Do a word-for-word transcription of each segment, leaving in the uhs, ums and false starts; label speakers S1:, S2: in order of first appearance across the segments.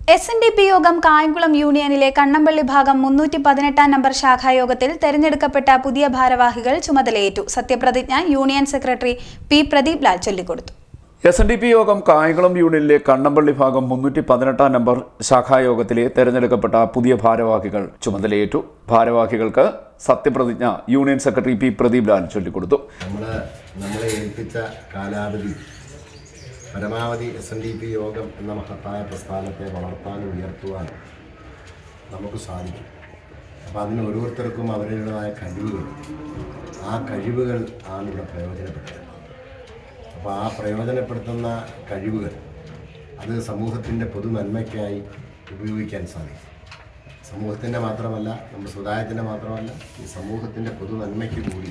S1: S N D P യോഗം കായംകുളം യൂണിയനിലെ കണ്ണമ്പള്ളി ഭാഗം മുന്നൂറ്റി പതിനെട്ടാം നമ്പർ ശാഖായോഗത്തിൽ തെരഞ്ഞെടുക്കപ്പെട്ട പുതിയ ഭാരവാഹികൾ ചുമതലയേറ്റു. സത്യപ്രതിജ്ഞ union secretary P Pradeep Lal ചൊല്ലിക്കൊടുത്തു.
S2: എസ് എൻ ഡി പി യോഗം കായംകുളം യൂണിയനിലെ കണ്ണമ്പള്ളി ഭാഗം മുന്നൂറ്റി പതിനെട്ടാം നമ്പർ ശാഖായോഗത്തിലെ തെരഞ്ഞെടുക്കപ്പെട്ട പുതിയ ഭാരവാഹികൾ ചുമതലയേറ്റു. ഭാരവാഹികൾക്ക് സത്യപ്രതിജ്ഞ union secretary P Pradeep Lal ചൊല്ലിക്കൊടുത്തു.
S3: നമ്മളെ ഏൽപ്പിച്ച കാലാവധി പരമാവധി എസ് എൻ ഡി പി യോഗം എന്ന മഹത്തായ പ്രസ്ഥാനത്തെ വളർത്താനും ഉയർത്തുവാനും നമുക്ക് സാധിക്കും. അപ്പോൾ അതിന് ഓരോരുത്തർക്കും അവരുടേതായ കഴിവുകൾ, ആ കഴിവുകൾ ആണ് ഇവിടെ പ്രയോജനപ്പെട്ടത്. അപ്പോൾ ആ പ്രയോജനപ്പെടുത്തുന്ന കഴിവുകൾ അത് സമൂഹത്തിൻ്റെ പൊതു നന്മയ്ക്കായി ഉപയോഗിക്കാൻ സാധിക്കും. സമൂഹത്തിൻ്റെ മാത്രമല്ല, നമ്മുടെ സമുദായത്തിൻ്റെ മാത്രമല്ല, ഈ സമൂഹത്തിൻ്റെ പൊതു നന്മയ്ക്ക് കൂടി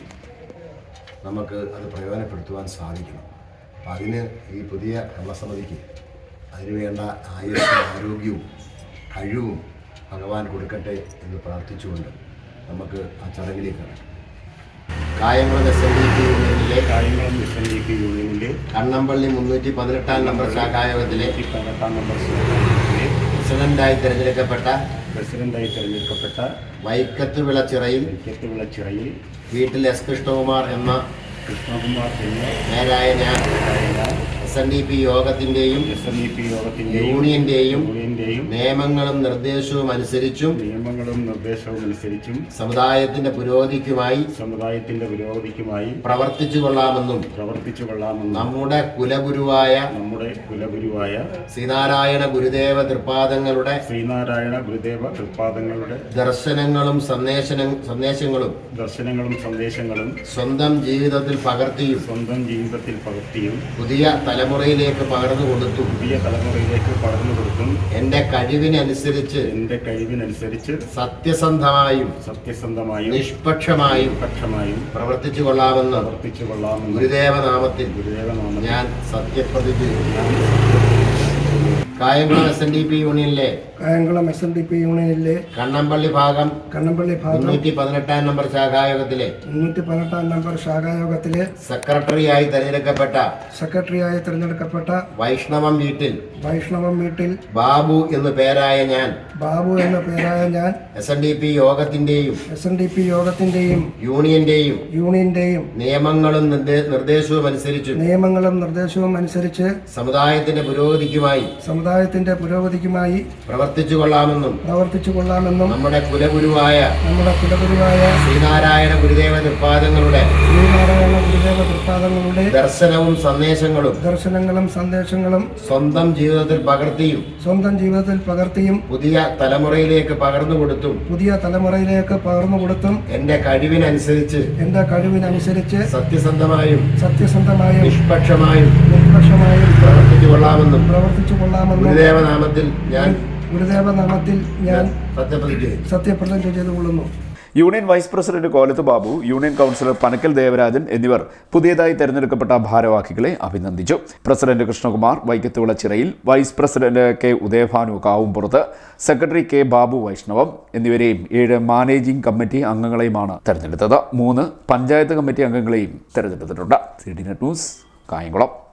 S3: നമുക്ക് അത് പ്രയോജനപ്പെടുത്തുവാൻ സാധിക്കണം. അപ്പം അതിന് ഈ പുതിയ ഭരണസമിതിക്ക് അതിനുവേണ്ട ആയുസ്സും ആരോഗ്യവും കഴിവും ഭഗവാൻ കൊടുക്കട്ടെ എന്ന് പ്രാർത്ഥിച്ചുകൊണ്ട് നമുക്ക് ആ ചടങ്ങിലേക്ക് കടക്കാം. Kayamkulam S N D P യൂണിയനിലെ
S4: Kayamkulam S N D P യൂണിയനിലെ
S3: കണ്ണമ്പള്ളി മുന്നൂറ്റി പതിനെട്ടാം നമ്പർ ശാഖായോഗത്തിലെ
S4: പതിനെട്ടാം നമ്പർ ശാഖായോഗത്തിലെ
S3: പ്രസിഡന്റായി തിരഞ്ഞെടുക്കപ്പെട്ട
S4: പ്രസിഡന്റായി തിരഞ്ഞെടുക്കപ്പെട്ട
S3: വൈക്കത്ത് വിളച്ചിറയിൽ
S4: വൈക്കത്ത് വിളച്ചിറയിൽ
S3: വീട്ടിൽ എസ് കൃഷ്ണകുമാർ എന്ന
S4: കൃഷ്ണകുമാർ എന്ന
S3: നേരായ ഞാൻ എസ് എൻ ഡി പി യോഗത്തിൻ്റെയും
S4: എസ് എൻ ഡി പി യോഗത്തിൻ്റെയും
S3: യൂണിയന്റെയും
S4: യൂണിയന്റെയും
S3: നിയമങ്ങളും നിർദ്ദേശവും അനുസരിച്ചും
S4: നിയമങ്ങളും നിർദ്ദേശവും അനുസരിച്ചും
S3: സമുദായത്തിന്റെ പുരോഗതിക്കുമായി
S4: സമുദായത്തിന്റെ പുരോഗതിക്കുമായി
S3: പ്രവർത്തിച്ചു കൊള്ളാമെന്നും
S4: പ്രവർത്തിച്ചു കൊള്ളാമെന്നും
S3: നമ്മുടെ കുലഗുരുവായ
S4: നമ്മുടെ കുലഗുരുവായ
S3: ശ്രീനാരായണ ഗുരുദേവ തൃപാദങ്ങളുടെ
S4: ശ്രീനാരായണ ഗുരുദേവ തൃപാദങ്ങളുടെ
S3: ദർശനങ്ങളും സന്ദേശ സന്ദേശങ്ങളും
S4: ദർശനങ്ങളും സന്ദേശങ്ങളും
S3: സ്വന്തം ജീവിതത്തിൽ പകർത്തിയും
S4: സ്വന്തം ജീവിതത്തിൽ പകർത്തിയും
S3: പുതിയ തലമുറയിലേക്ക് പകർന്നു കൊടുത്തും
S4: പുതിയ തലമുറയിലേക്ക് പകർന്നു കൊടുത്തും
S3: എന്റെ കഴിവിനനുസരിച്ച്
S4: എന്റെ കഴിവിനനുസരിച്ച്
S3: സത്യസന്ധമായും
S4: സത്യസന്ധമായും
S3: നിഷ്പക്ഷമായും
S4: നിഷ്പക്ഷമായും
S3: പ്രവർത്തിച്ചു കൊള്ളാമെന്ന്
S4: പ്രവർത്തിച്ചു കൊള്ളാമെന്ന്
S3: ഗുരുദേവനാമത്തിൽ
S4: ഗുരുദേവനാമത്തിൽ
S3: ഞാൻ സത്യപ്രതിജ്ഞ ചെയ്യുന്നു. Kayamkulam S N D P യൂണിയനിലെ
S5: Kayamkulam S N D P യൂണിയനിലെ
S3: കണ്ണമ്പള്ളി ഭാഗം
S5: കണ്ണമ്പള്ളി ഭാഗം
S3: മുന്നൂറ്റി പതിനെട്ടാം നമ്പർ ശാഖായോഗത്തിലെ
S5: മുന്നൂറ്റി പതിനെട്ടാം നമ്പർ ശാഖായോഗത്തിലെ
S3: സെക്രട്ടറിയായി തെരഞ്ഞെടുക്കപ്പെട്ട
S5: സെക്രട്ടറിയായി തിരഞ്ഞെടുക്കപ്പെട്ട
S3: വൈഷ്ണവം വീട്ടിൽ
S5: വൈഷ്ണവം വീട്ടിൽ
S3: ബാബു എന്നു പേരായ ഞാൻ
S5: ബാബു എന്ന പേരായ ഞാൻ
S3: എസ് എൻ ഡി പി യോഗത്തിന്റെയും
S5: എസ് എൻ ഡി പി യോഗത്തിന്റെയും
S3: യൂണിയന്റെയും
S5: യൂണിയന്റെയും
S3: നിയമങ്ങളും നിർദ്ദേശവും അനുസരിച്ച്
S5: നിയമങ്ങളും നിർദ്ദേശവും അനുസരിച്ച്
S3: സമുദായത്തിന്റെ പുരോഗതിക്കുമായി
S5: സമുദായത്തിന്റെ പുരോഗതിക്കുമായി
S3: പ്രവർത്തിച്ചു കൊള്ളാമെന്നും
S5: പ്രവർത്തിച്ചു കൊള്ളാമെന്നും
S3: നമ്മുടെ കുലഗുരുവായ
S5: നമ്മുടെ കുലഗുരുവായ
S3: ശ്രീനാരായണ ഗുരുദേവ തൃപാദങ്ങളുടെ
S5: ശ്രീനാരായണ ഗുരുദേവ തൃപാദങ്ങളുടെ
S3: ദർശനവും സന്ദേശങ്ങളും
S5: ദർശനങ്ങളും സന്ദേശങ്ങളും
S3: സ്വന്തം ജീവിതത്തിൽ പകർത്തിയും
S5: സ്വന്തം ജീവിതത്തിൽ പകർത്തിയും
S3: പുതിയ തലമുറയിലേക്ക് പകർന്നു കൊടുത്തും
S5: പുതിയ തലമുറയിലേക്ക് പകർന്നു കൊടുത്തും
S3: എന്റെ കഴിവിനനുസരിച്ച്
S5: എന്റെ കഴിവിനനുസരിച്ച്
S3: സത്യസന്ധമായും
S5: സത്യസന്ധമായും
S3: നിഷ്പക്ഷമായും
S5: നിഷ്പക്ഷമായും
S3: പ്രവർത്തിച്ചു കൊള്ളാമെന്നും
S5: പ്രവർത്തിച്ചു കൊള്ളാമെന്നും
S3: ഗുരുദേവനാമത്തിൽ ഞാൻ
S5: ഗുരുദേവനാമത്തിൽ ഞാൻ
S3: സത്യപ്രതിജ്ഞ
S5: സത്യപ്രതിജ്ഞ ചെയ്തുകൊള്ളുന്നു.
S2: Union vice president Kolath Babu, union councillor Panakkal Devarajan എന്നിവർ പുതിയതായി തെരഞ്ഞെടുക്കപ്പെട്ട ഭാരവാഹികളെ അഭിനന്ദിച്ചു. President Krishnakumar Vaikkath Vilachirayil, vice president K Udayabhanu Kavumpurath, secretary K Babu Vaishnavam എന്നിവരെയും ഏഴ് മാനേജിംഗ് കമ്മിറ്റി അംഗങ്ങളെയുമാണ് തെരഞ്ഞെടുത്തത്. മൂന്ന് പഞ്ചായത്ത് കമ്മിറ്റി അംഗങ്ങളെയും തെരഞ്ഞെടുത്തിട്ടുണ്ട്. C D net news, Kayamkulam.